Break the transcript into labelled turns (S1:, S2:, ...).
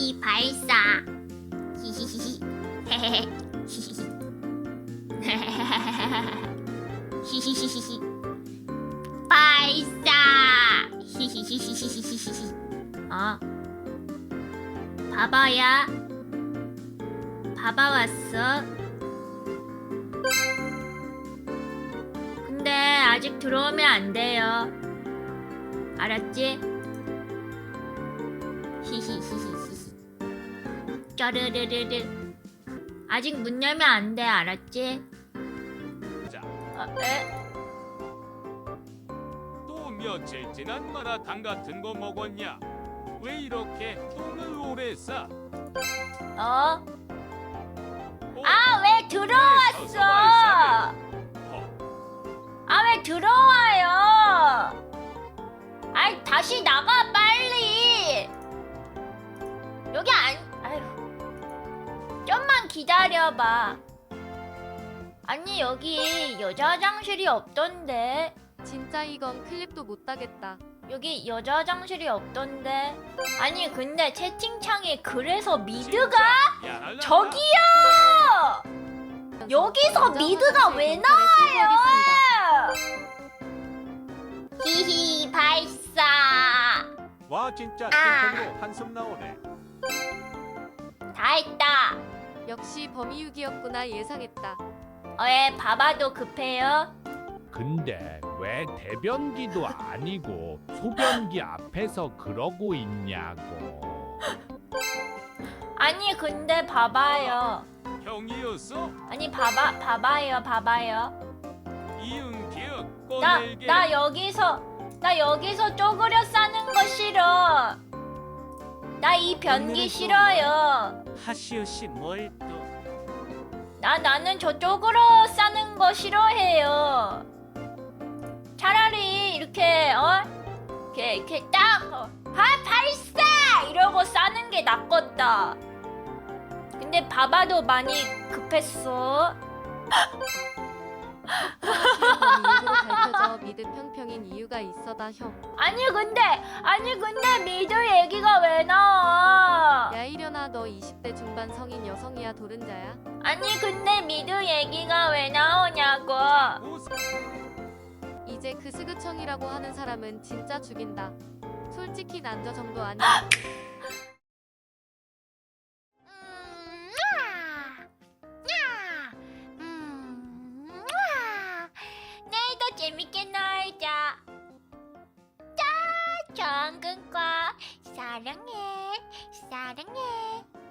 S1: 히히 발사. 히히히히. 헤헤헤. 히히히. 히히히히히. 발사. 히히히히히히히. 바바야. 바바 왔어. 근데 아직 들어오면 안 돼요. 알았지? 히히히히히. 짜르르르르. 아직 문 열면 안 돼. 알았지?
S2: 자,
S1: 에?
S2: 또 며칠 지난 마라탕 같은 거 먹었냐? 왜 이렇게 똥을 오래 싸?
S1: 어?
S2: 어,
S1: 아, 왜 들어왔어? 아, 왜 들어와요? 아이, 다시 나가, 빨리. 여기 아휴. 좀만 기다려봐. 아니, 여기 여자 화장실이 없던데.
S3: 진짜 이건 클립도 못 따겠다.
S1: 여기 여자 화장실이 없던데. 아니, 근데 채팅창에 그래서 미드가? 저기요! 여기서 미드가 왜 나와요? 히히 발사.
S4: 와 진짜
S1: 아.
S4: 찐통으로 한숨 나오네.
S1: 다 했다.
S3: 역시 범이육이었구나. 예상했다.
S1: 왜 바바도 급해요?
S5: 근데 왜 대변기도 아니고 소변기 앞에서 그러고 있냐고.
S1: 아니, 근데 봐봐요.
S2: 형이었어?
S1: 아니, 봐봐요.
S2: 이응 기억
S1: 나
S2: 꺼내게.
S1: 나 여기서 쪼그려 싸는 거 싫어. 나 이 변기 싫어요.
S6: 하시오 씨 뭘 또?
S1: 나는 저 쪼그려 싸는 거 싫어해요. 차라리 이렇게 이렇게 딱 발사 이러고 싸는 게 낫겠다. 근데 바바도 많이 급했어.
S3: 범이육으로 밝혀져 미드 평평인 이유가 있어다 형.
S1: 아니 근데 미드 얘기가 왜 나와?
S3: 야 이련아 너 20대 중반 성인 여성이야 도른자야?
S1: 아니 근데 미드 얘기가 왜 나오냐고.
S3: 이제 그 스그청이라고 하는 사람은 진짜 죽인다. 솔직히 난 저 정도 아니야.
S1: 내일도 재밌게 놀자. 짜 정근과 사랑해.